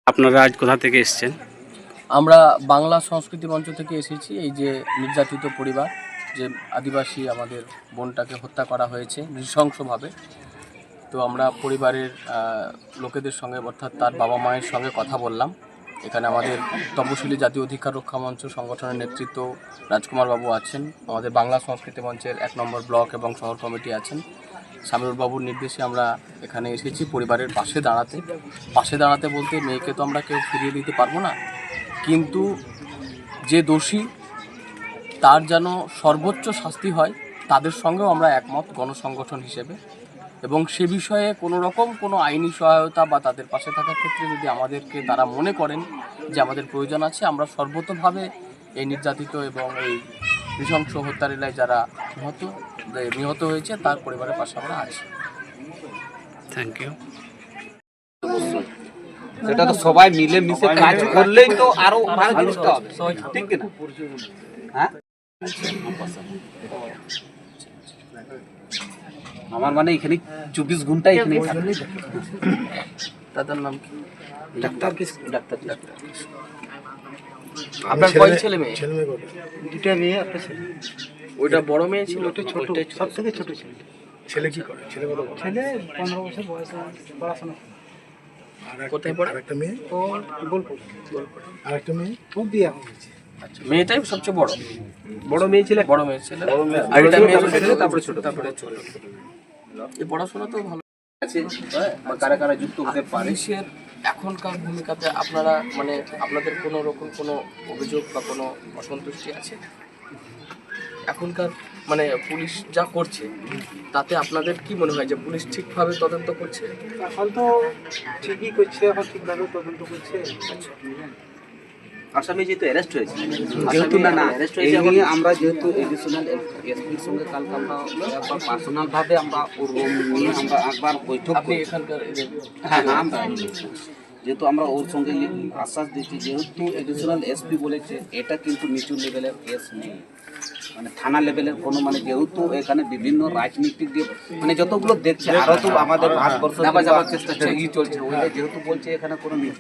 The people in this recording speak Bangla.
আপনারা আজ কোথা থেকে এসেছেন? আমরা বাংলা সংস্কৃতি মঞ্চ থেকে এসেছি। এই যে নির্যাতিত পরিবার, যে আদিবাসী আমাদের বোনটাকে হত্যা করা হয়েছে নৃশংসভাবে, তো আমরা পরিবারের লোকেদের সঙ্গে অর্থাৎ তার বাবা মায়ের সঙ্গে কথা বললাম। এখানে আমাদের তপশিলি জাতীয় অধিকার রক্ষা মঞ্চ সংগঠনের নেতৃত্ব রাজকুমার বাবু আছেন, আমাদের বাংলা সংস্কৃতি মঞ্চের 1 নম্বর ব্লক এবং শহর কমিটি আছেন। সামিউর বাবুর নির্দেশে আমরা এখানে এসেছি পরিবারের পাশে দাঁড়াতে বলতে মেয়েকে তো আমরা কেউ ফিরিয়ে দিতে পারবো না, কিন্তু যে দোষী তার যেন সর্বোচ্চ শাস্তি হয় তাদের সঙ্গেও আমরা একমত গণসংগঠন হিসেবে। এবং সে বিষয়ে কোনো রকম কোনো আইনি সহায়তা বা তাদের পাশে থাকার ক্ষেত্রে যদি আমাদেরকে তারা মনে করেন যে আমাদের প্রয়োজন আছে, আমরা সর্বতোভাবে এই নির্যাতিত এবং এই নৃশংস হত্যালীলায় যারা নিহত হয়েছে তার পরিবারের পাশে আমরা আছি। Thank you. সেটা তো সবাই মিলে মিশে কাজ করলেই তো আরো ভালো জিনিসটা হবে, ঠিক কি না? হ্যাঁ, আমার মানে এখানে 24 ঘন্টা এখানে তাদের নাম কি? ডাক্তার আপনার কয় ছেলে মেয়ে? দুটা মেয়ে একটা ছেলে। ওইটা বড় মেয়ে ছিল, ওটা ছোট, সব থেকে ছোট ছেলে। ছেলে কি করে? ছেলে বড়? ছেলে 15 বছর বয়স, পড়াশোনা করে। কোথায় পড়ে? আরেকটা মেয়ে? ও বোলপুর। আরেকটা মেয়ে? ও বিয়ে হয়েছে। আচ্ছা, মেয়েটাই সবচেয়ে বড়। বড় মেয়ে ছিল, আর এটা মেয়ে ছিল, তারপরে ছোট। এই পড়াশোনা তো ভালো আছে বা কারা কারা যুক্ত হতে পারে। পুলিশের এখনকার ভূমিকাতে আপনারা মানে আপনাদের কোনো রকম কোনো অভিযোগ বা কোনো অসন্তুষ্টি আছে? এখনকার মানে পুলিশ যা করছে তাতে আপনাদের কি মনে হয় যে পুলিশ ঠিকভাবে তদন্ত করছে? এখন তো ঠিকই করছে, এখন ঠিকভাবে তদন্ত করছে। আসামি যেহেতু অ্যারেস্ট হয়েছে, যেহেতু না এই নিয়ে আমরা যেহেতু এডিশনাল এসপির সঙ্গে কালকে আমরা একবার পার্সোনাল ভাবে আমরা ওর রুম নিয়ে আমরা একবার বৈঠক আপনি করি। এখানকার হ্যাঁ, আমরা যেহেতু আমরা ওর সঙ্গে আশ্বাস দিচ্ছি, যেহেতু এডিশনাল এসপি বলেছে এটা কিন্তু নিচু লেভেলের কেস নেই, মানে থানা লেভেলের কোনো, মানে যেহেতু এখানে বিভিন্ন রাজনীতিক দিয়ে মানে যতগুলো দেখছে আরো তো আমাদের ভারতবর্ষ চেষ্টা চলছে, ওইটা যেহেতু বলছে এখানে কোনো